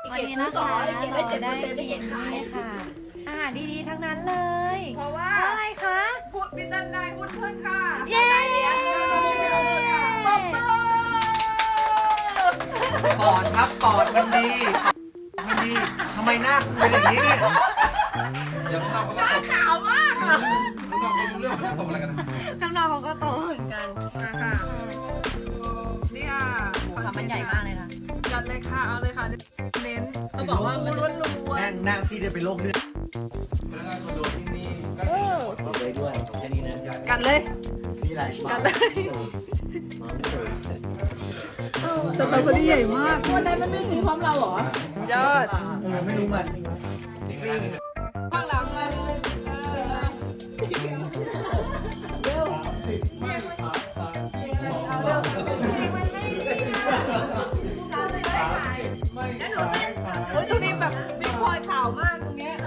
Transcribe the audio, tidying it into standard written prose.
วันนี้นะคะเราได้กินค่ะอาหารดีๆทั้งนั้นเลยเพราะว่าอะไรคะพูดพิจารณาพูดเพื่อนค่ะเย้ปอดครับปอดมันดีมันดีทำไมหน้าคุณเป็นอย่างนี้เนี่ยหน้าขาวมากอ่ะข้างนอกเขาก็โตเหมือนกันมาค่ะนี่ค่ะค่ะมันใหญ่มากเลยค่ะจัดเลยค่ะเอาเลยค่ะเน้นเขาบอกว่ามันล้วนหน้าซีดเป็นโรคเลือดบอกเลยด้วยแค่นี้นะๆกัดเลยนี่แหละกัดเลยสตรอเบอรี่ใหญ่มากวันนั้นมันไม่ซื้อพร้อมเราเหรอยอดไม่รู้มันข้างหลังเลยเร็วเฮ้ยตรงนี้แบบพี่พลอยขาวมากตรงเนี้ย